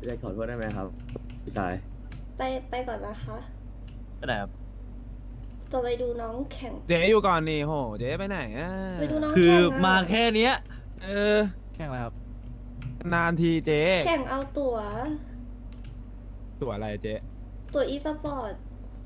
อยากขอโทษได้ไหมครับพี่ชายไปก่อนนะคะก็ได้ครับจะไปดูน้องแข่งเจ๊อยู่ก่อนนี่โหเจ๊ไปไหนอ่ะไปดูน้องคือแข่งะมาแค่เนี้ยเออแข่งอะไรครับนานทีเจ๊แข่งเอาตั๋วตัวอะไรเจ๊ตั๋วอีสปอร์ต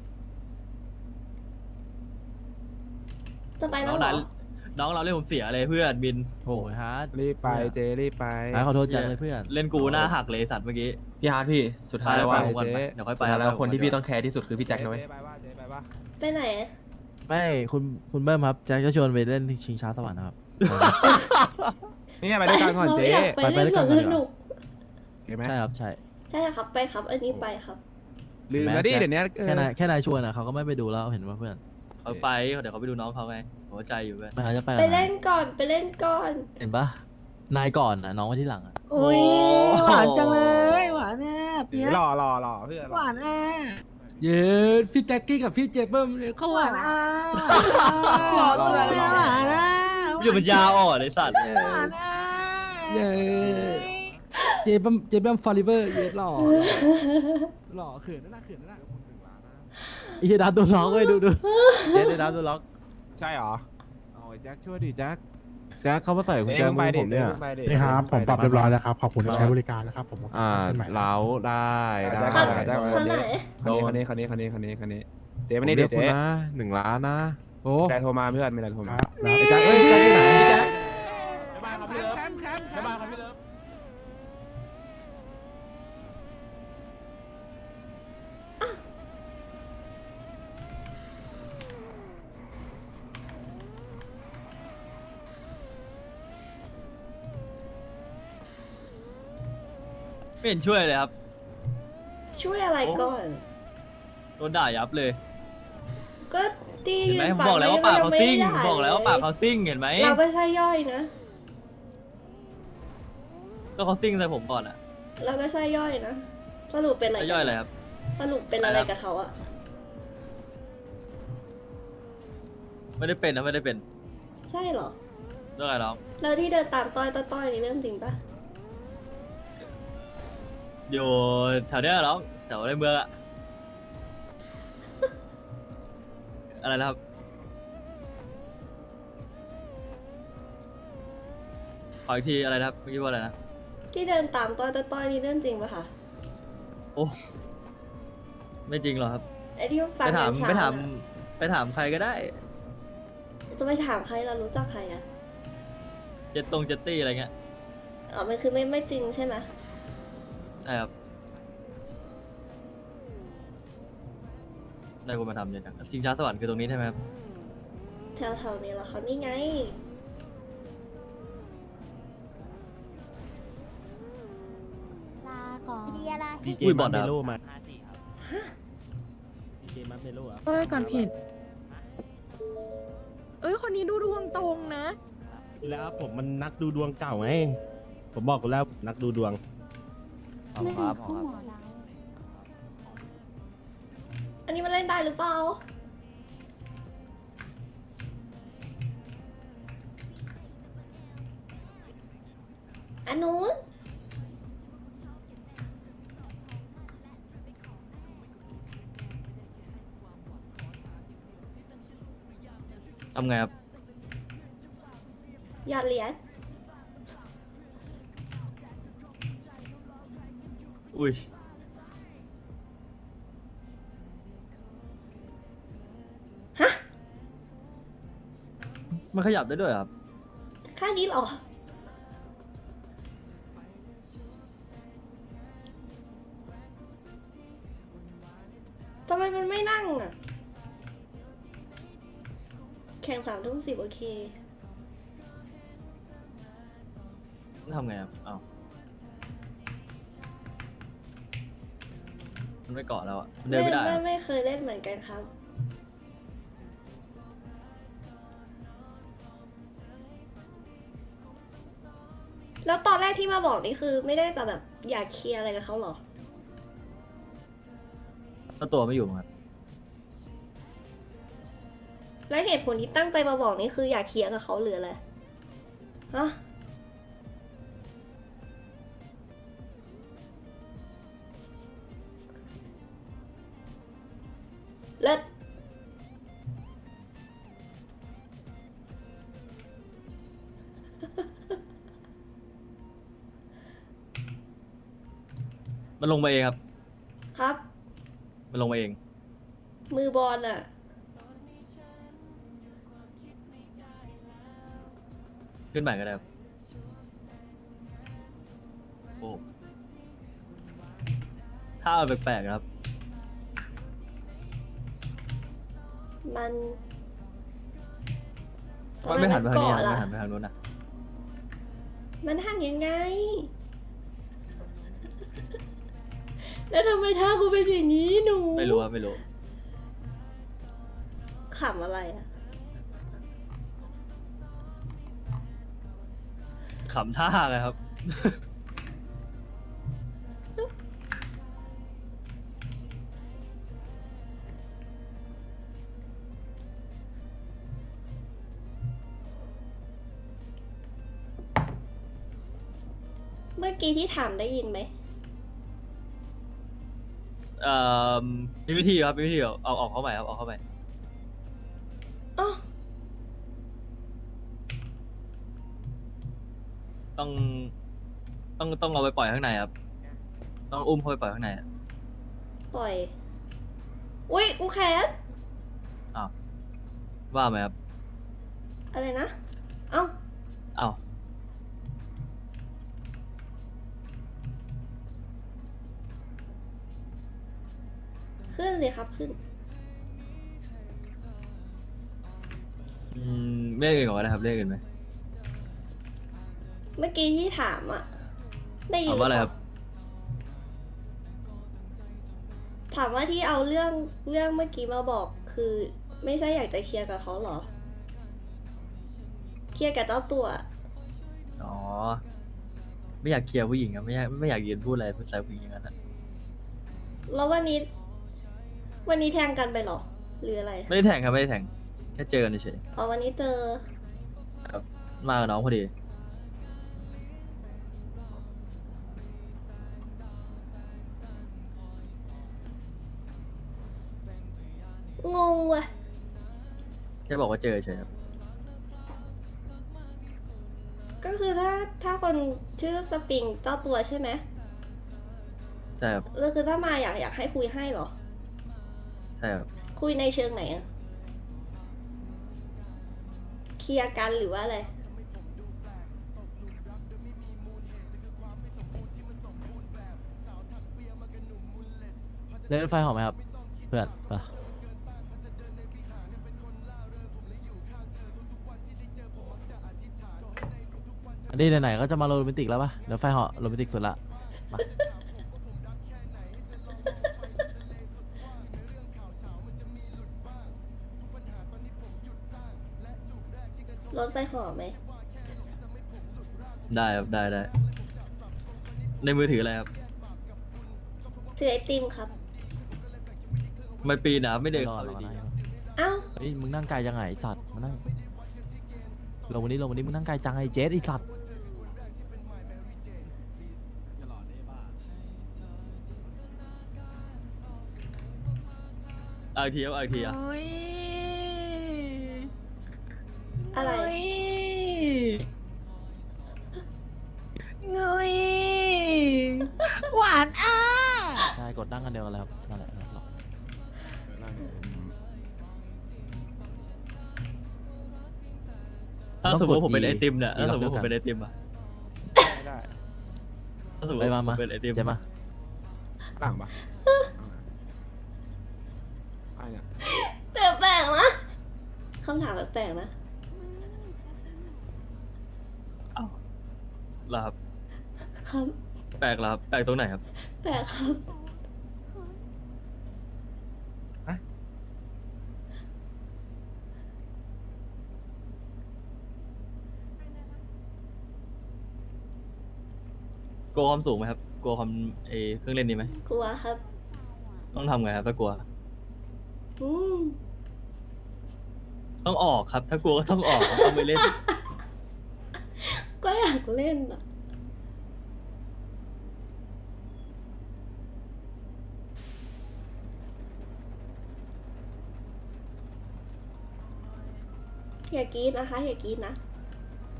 จะไปแล้วเหรอน้องเราเล่นผมเสียเลยเพื่อนบินโอ้ยฮาร์ดรีบไปเจ๊รีบไปขอโทษจังเลยเพื่อนเล่นกูหน้าหักเลยสัตว์เมื่อกี้พี่ฮาร์ดพี่สุดท้ายแล้วไปว่าผมก่อนเจ๊ไปเดี๋ยวค่อยไปสุดท้ายแล้วคนที่พี่ต้องแคร์ที่สุดคือพี่แจ็คนะเว้ยเจ๊ไปว่าเจ๊ไปว่าไปไหนไม่คุณเบิ้มครับแจ็คจะชวนไปเล่นชิงช้าสวรรค์นะครับนี่ไงไปด้วยกันก่อนเจ๊ราไม่อยากไปเล่นสวนสนุกเห็นไหมใช่ครับใช่ใช่ครับไปครับ อันนี้ไปครับลืมแล้วดิเดี๋ยวนี้เออแค่นายชวนอ่ะเขาก็ไม่ไปดูแล้วเห็นว่าเพื่อนเขาไปเดี๋ยวเขาไปดูน้องเขาไงหัวใจอยู่เพื่อนไม่เขาจะไปไปเล่นก่อนไปเล่นก่อนเห็นปะนายก่อนอ่ะน้องไว้ที่หลังอ่ะโอ้ยหวานจังเลยหวานแน่เปียกหล่อเพื่อนหวานแน่เย้พี่แจ็คกี้กับพี่เจเบิ้มเนี่ยเขาหวานอ่ะหวานเลยหวานอ่ะอยู่มันยาอ่อนเลยสัตว์หวานอ่ะเย้เจเบิ้มฟอริเวอร์เย้หล่อหล่อเขินนั่นน่ะเขินนั่นน่ะไอ้เหี้ยดับตัวล็อกเลยดูเจ๊ได้ดับตัวล็อกใช่เหรอโอ้ยแจ็คช่วยดิแจ็คแจ็คเขามาใส่กุญแจมือผมเนี่ยนี่ครับ ผมปรับเรียบร้อยแล้วครับ ขอบคุณที่ใช้บริการนะครับ ผมเล้าได้ได้คันได้คันไหนคันนี้เจ๊มานี่เรีเดี๋ยยกวคุณเจ๊นะ1 ล้านนะโอ้แต่โทรมาเพื่อนมีอะไรโทรมาครับไอ้แจ็คเอ้ยแจ็คอยู่ไหนแจ็คบ๊ายบายครับพี่เลิฟบ๊ายบายครับพี่เลิฟไม่เห็นช่วยเลยครับช่วยอะไรก่อนโดนด่ายับเลยก็ตีเห็นยืไหมนผมฝั่งบอกแล้วว่าปากเขาซิ่งไม่ได้บอกแล้วว่าปากเขาซิ่งเห็นไหมเราไม่ใช่ย่อยนะก็เขาซิ่งใส่ผมก่อนอะเราไม่ใช่ย่อยนะ สรุปเป็นอะไรแล้วย่อยอะไรครับสรุปเป็นอะไรกับเขาอะไม่ได้เป็นนะไม่ได้เป็นใช่เหรอเรื่องอะไรน้องแล้วที่เดินตามต้อยนี่เรื่องจริงปะอยู่แถวเนี้ยน้องแถวในเมืองอะอะไรนะครับขออีกทีอะไรนะครับเมื่อกี้ว่าอะไรนะที่เดินตามต้อยนี่เรื่องจริงปะคะโอ้ไม่จริงหรอกครับไอ้ที่ฟังไปถามเช้ไปถามน่ะไปถามใครก็ได้จะไปถามใครเรารู้จักใครอะเจ็ตเจ็ตตี้อะไรเงี้ยอ๋อมันคือไม่จริงใช่ไหมใช่ครับได้คุณมาทำเนี่ยจังชิงช้าสวรรค์คือตรงนี้ใช่ไหมครับแถวๆนี้เหรอเขานี่ไงลาก่อนดีอะไรอุ้ยบอดนะครับก็ก่อนผิด เอ้ย คนนี้ดูดวงตรงนะแล้วผมมันนักดูดวงเก่าไง ผมบอกคุณแล้วนักดูดวงไม่ได้คู่หมอเราอันนี้มันเล่นได้หรือเปล่า อันนู้นทำไงครับหยอดเหรียญอุ้ยฮะมันขยับได้ด้วยเหรอครับค่านี้เหรอ ทำไมมันไม่นั่งอ่ะ แข่ง3:10โอเคทำไงครับอ้าวมันไม่เกาะแล้วอะมันเดินไม่ได้อะไม่เคยเล่นเหมือนกันครับ แล้วตอนแรกที่มาบอกนี่คือไม่ได้จะแบบอยากเคลียร์อะไรกับเขาเหรอแล้วตัวไม่อยู่ครับและเหตุผลที่ตั้งใจมาบอกนี่คืออยากเคลียร์กับเขาหรืออะไร ฮะมันลงมาเองครับครับมันลงมาเองมือบอลอะขึ้นใหม่ก็ได้ครับโอ้ถ้าเอาแปลกๆนะครับมันมันไม่หันไปทางนี้เกาะนะล่ะไม่หันไปทางนู้นนะมันหันยังไง แล้วทำไมท่ากูเป็นอย่างนี้หนูไม่รู้ครับไม่รู้ขำอะไรอะขำท่าเลยครับเมื่อกี้ที่ถามได้ยินไหมเอ่อมีวิธีครับมีวิธีเอาออกเข้าใหม่ครับเอาเข้าใหม่อ๋อต้องเอาไปปล่อยข้างในครับ ต้องอุ้มเข้าไปปล่อยข้างในอะปล่อย อุ๊ย กูแคสอ้าวว่าไหมครับอะไรนะ เอ้าอ้าวขึ้นเลยครับขึ้นเรียกอื่นก่อนนะครับเรียกอื่นไหมเมื่อกี้ที่ถามอะได้ยินถามว่าอะไรครับถามว่าที่เอาเรื่องเมื่อกี้มาบอกคือ ไม่ใช่อยากจะเคลียร์กับเขาเหรอ เคลียร์กับเจ้าตัวอ๋อ ไม่อยากเคลียร์ผู้หญิงครับไม่อยากยืนพูดอะไรพูดใส่ผู้หญิงอย่างนั้นอะแล้ววันนี้แทงกันไปเหรอ หรืออะไรไม่ได้แทงครับไม่ได้แทงแค่เจอกันเฉยอ๋อวันนี้เจอๆครับมากับน้องพอดีงงว่ะแค่บอกว่าเจอเฉยครับก็คือถ้าคนชื่อสปริงเจ้าตัวใช่ไหมใช่ครับแล้วคือถ้ามาอยากให้คุยให้เหรอใช่ครับคุยในเชิงไหนอะเคลียร์กันหรือว่าอะไรเล่นรถไฟหอมไหมครับ เพื่อนไปะอันนี้ไหนๆก็จะมาโรแมนติกแล้วปะเดี๋ยวไฟเหาะโรแมนติกสุดละมารถไฟหอมไหมได้ครับได้ในมือถืออะไรครับถือไอติมครับไม่ปีนนะครับไม่เดินรอเขารเลยอดีนะเอ้าเฮ้ยมึงนั่งไกลจังไงไอ้สัตว์มานั่งลงวันนี้มึงนั่งไกลจังไอ้เจสไอ้สัตว์เอาอีกทีครับเอาอีกทีอ่ะโอ้ยอะไรเงยหวานอ่ะใช่กดนั่งกันเดียวกันเลยครับนั่นแหละหรอกถ้าสมมติผมเป็นไอติมเนี่ยถ้าสมมติผมเป็นไอติมอะไม่ได้ถ้าสมมติไปผมมาเป็นไอติมเจมาต่างปะไอ้เนี่ยแปลกๆนะคำถามแปลกๆนะอ้าวเหรอครับครับแปลกเหรอครับแปลกตรงไหนครับแปลกครับกลัวความสูงไหมครับกลัวความเครื่องเล่นนี้ไหมกลัวครับต้องทำไงครับถ้ากลัวอืมต้องออกครับ ถ้ากลัวก็ต้องออกครับต้องไปเล่นก็อยากเล่นอ่ะ อย่ากรีดนะคะ อย่ากรีดนะ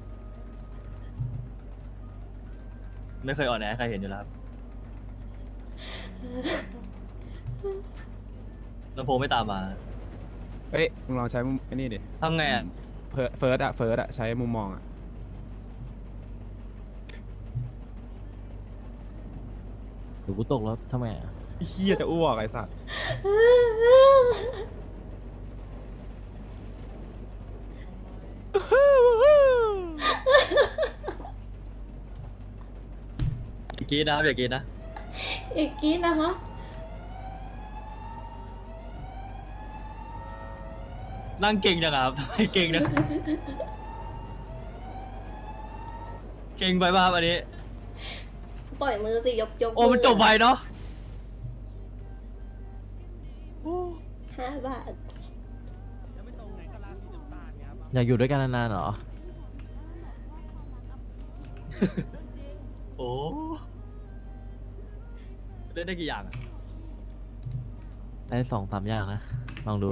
ไม่เคยอ่อนแอให้ใครเห็นอยู่แล้วครับลำโพงไม่ตามมาเอ้ยมึงลองใช้มุมไอ้นี่ดิทำไงอ่ะเฟิร์สอะใช้มุมมองอะเดี๋ยวกูตกแล้วทำไมอะเฮียจะอ้วกไอ้สัตว์อย่ากินนะครับอย่ากินนะอีกกี้นะคะนั่งเก่งจังอะครับ ทำไมเก่งนะ เก่งไปป่ะครับอันนี้ปล่อยมือสิยกโอ้มันจบไวเนาะ 5 บาทอยากอยู่ด้วยกันนานๆเหรอโอ้เล่นได้กี่อย่างอะได้2-3อย่างนะ ลองดู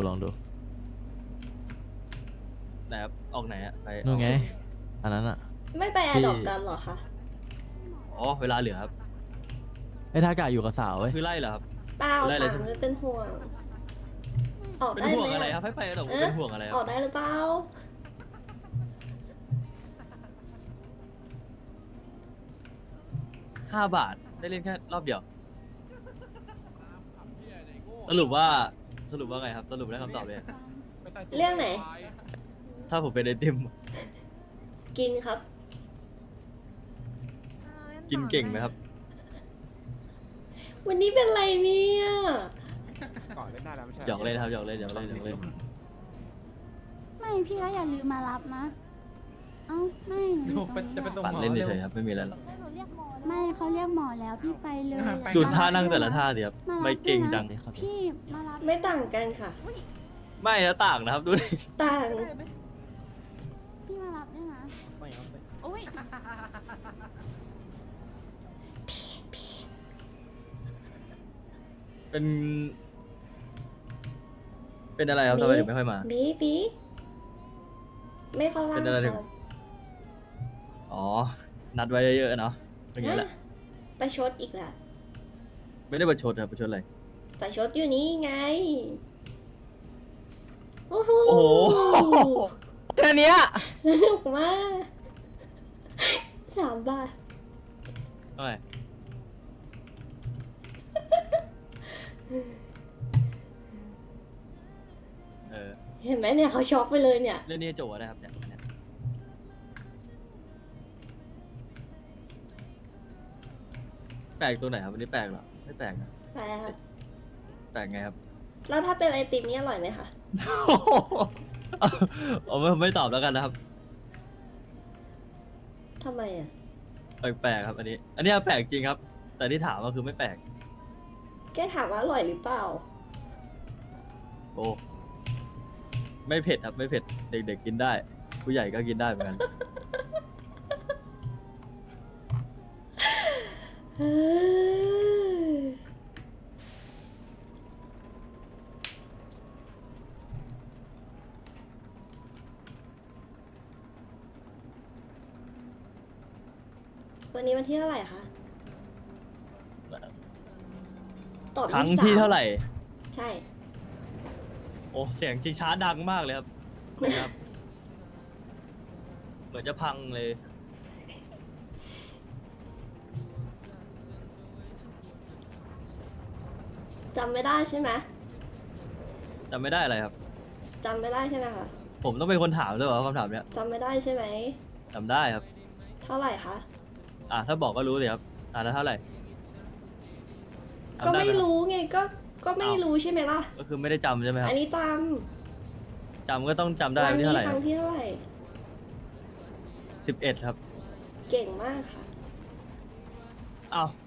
ไหนครับออกไหนอะไปนู่นไง อันนั้นอะไม่ไปแอดดอกกันเหรอคะอ๋อเวลาเหลือครับไอ้ทากาอยู่กับสาวเว้ยคือไล่เหรอครับเปล่าได้เลยถามเลยเป็นห่วง ออกเป็นได้ห่วงไหมอะไรครับให้ไปแต่ผมเป็นห่วงอะไรคอรัอบ กได้หรือเปล่า 5 บาทได้เล่นแค่รอบเดียว สรุปว่าไงครับ สรุปได้คำตอบเลยเรื่องไหนถ้าผมเป็นไอติมกินครับกินเก่งไหมครับวันนี้เป็นไรเนี่ยก่อนเล่นได้แล้วไม่ใช่หยอกเล่นครับหยอกเล่นไม่พี่ก็อย่าลืมมารับนะ เอ้าไม่หนูอยู่ตรงนี้ปั่นเล่นเฉยๆครับไม่มีอะไรหรอกไม่เขาเรียกหมอแล้วพี่ไปเลยดูท่านั่งแต่ละท่าสิครับมารับไม่เก่งจังด้วยนะพี่มารับไม่ต่างกันค่ะไม่นะต่างนะครับดูดิต่างพี่มารับด้วยนะโอ้ยเป็นอะไรครับทำไมถึงไม่ค่อยมาบีไม่เข้าร่างเป็นอะไรถึงค่ะอ๋อ นัดไว้เยอะๆเนาะอย่างนี้แหละไปชดอีกแล้วไม่ได้ประชดครับประชดอะไรไปชดอยู่นี่ไง โอ้โหโอ้โห แค่เนี้ยสนุกมาก3 บาทโอ้ยเห็นไหมเนี่ยเขาช็อกไปเลยเนี่ยเรื่องนี้โจได้ครับเนี่ยแปลกตัวไหนครับวันนี้แปลกเหรอไม่แปลกนะไปครับแปลกไงครับแล้วถ้าเป็นไอติมนี่อร่อยไหมคะเอาไม่ตอบแล้วกันนะครับทำไมอ่ะแปลกๆครับอันนี้แปลกจริงครับ แต่ที่ถามก็คือไม่แปลกแกถามว่าอร่อยหรือเปล่าโอ้ไม่เผ็ดครับไม่เผ็ดเด็กๆกินได้ ผู้ใหญ่ก็กินได้เหมือนกันวันนี้วันที่เท่าไหร่คะ ตอบครั้ง 23 ที่เท่าไหร่ใช่โอ้เสียงชิงช้าดังมากเลยครับนะครับ เหมือนจะพังเลยจำไม่ได้ใช่ไหมจำไม่ได้อะไรครับจำไม่ได้ใช่ไหมคะผมต้องเป็นคนถามด้วยเหรอคำถามเนี้ยจำไม่ได้ใช่ไหมจำได้ครับเท่าไหร่คะถ้าบอกก็รู้สิครับแล้วเท่าไหร่จำก็ด้ไม่หคบรู้ไง ก็ไม่รู้ใช่ไหมล่ะก็คือไม่ได้จำใช่ไหมครัอับนนี้จจำก็ต้องจำำได้วัวันที่นี้เท่าไหร่ครั้งที่เท่าไหร่ 11 ครับเก่งมากค่ะอ้าว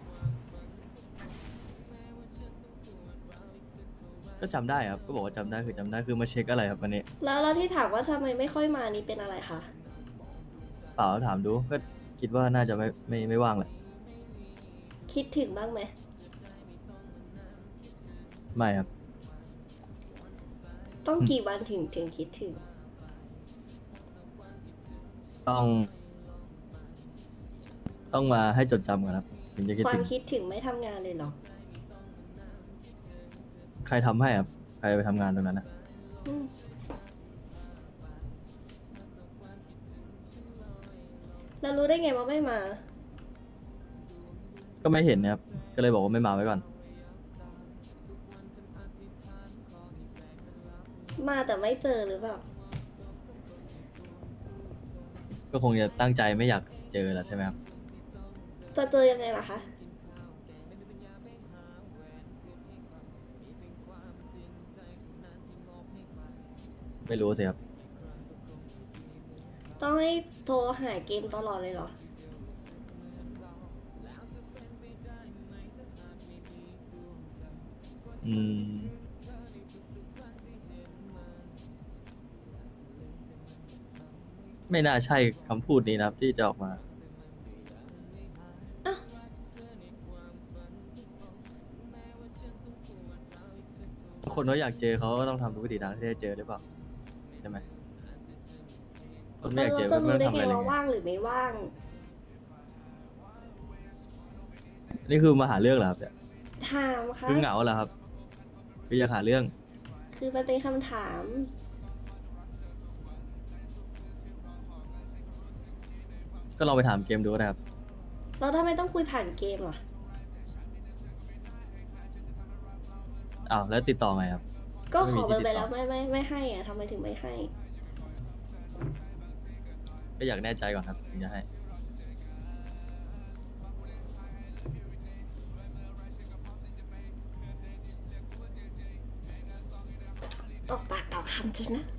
ก็จำได้ครับ ก็บอกว่าจำได้คือมาเช็คอะไรครับวันนี้แล้วที่ถามว่าทำไมไม่ค่อยมานี่เป็นอะไรคะเปล่าถามดูก็คิดว่าน่าจะไม่ว่างแหละคิดถึงบ้างไหมไม่ครับต้องกี่วันถึงคิดถึงต้องมาให้จดจำก่อนครับถึงจะคิดควาถึมงคิดถึงไม่ทำงานเลยเหรอใครทำให้ครับใครไปทำงานตรงนั้นนะอืมเรารู้ได้ไงว่าไม่มาก็ไม่เห็นนะครับก็เลยบอกว่าไม่มาไว้ก่อนมาแต่ไม่เจอหรือเปล่าก็คงจะตั้งใจไม่อยากเจอแล้วใช่ไหมครับจะเจอยังไงล่ะคะไม่รู้สิครับต้องให้โทรหาเกมตลอดเลยเหรออืมไม่น่าใช่คำพูดนี้นะครับ ที่จะออกมาอ้าวคนเขาอยากเจอเขาก็ต้องทำทุกวิถีทางที่จะเจอหรือเปล่าใช่ไหมคนไม่แล้อวยากเราเจอจะก็รู้ไม่ต้ได้องทำไงอะไรเลยว่าไงว่างหรือไม่ว่างนี่คือมาหาเรื่องเหรอครับเนี่ยถามค่ะคือเหงาเหรอครับคืออยากหาเรื่องคือมันเป็นคำถามก็ลองไปถามเกมดูก็ได้ครับแล้วทำไมต้องคุยผ่านเกมล่ะอ้าวแล้วติดต่อไงครับก็ขอเบอร์ไปไม่มีที่ติดต่อแล้วไม่ให้อ่ะทำไมถึงไม่ให้ก็อยากแน่ใจก่อนครับถึงจะให้ออกปากต่อคำจนนะ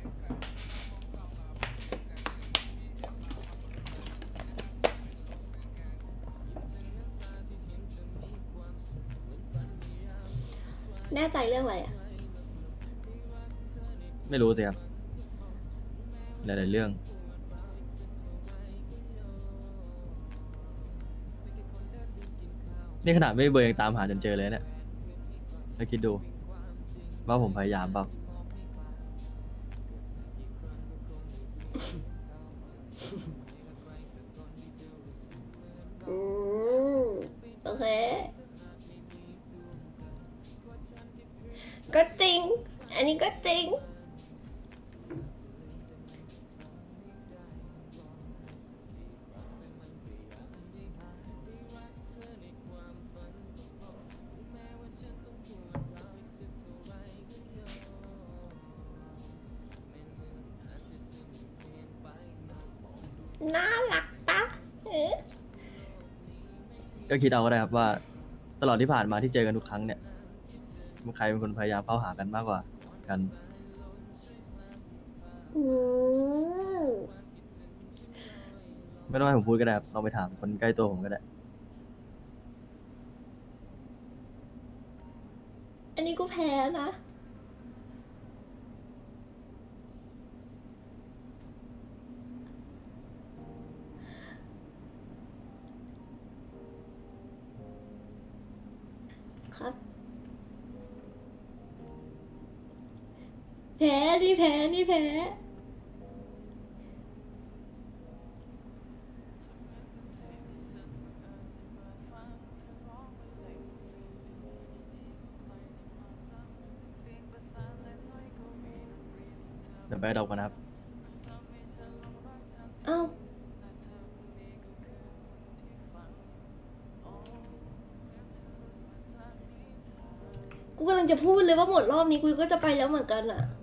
แน่ใจเรื่องอะไรอ่ะไม่รู้สิครับหลายๆเรื่อง นี่ขนาดไม่เบอร์ยังตามหาจนเจอเลยเนี่ยแล้วคิดดู ว่าผมพยายามเปล่าอืม โอเค ก็จริง อันนี้ก็จริง น่ารักปะเออก็คิดเอาก็ได้ครับว่า ตลอดที่ผ่านมาที่เจอกันทุกครั้งเนี่ยใครเป็นคนพยายามเข้าหากันมากกว่ากันอืมไม่ต้องให้ผมพูดก็ได้ครับลองไปถามคนใกล้ตัวผมก็ได้อันนี้กูแพ้นะ ครับ แพ้นี่แพ้นี่แพ้เดี๋ยวไปดอกกันนะครับเอ้า กูกำลังจะพูดเลยว่าหมดรอบนี้กูก็จะไปแล้วเหมือนกันอะ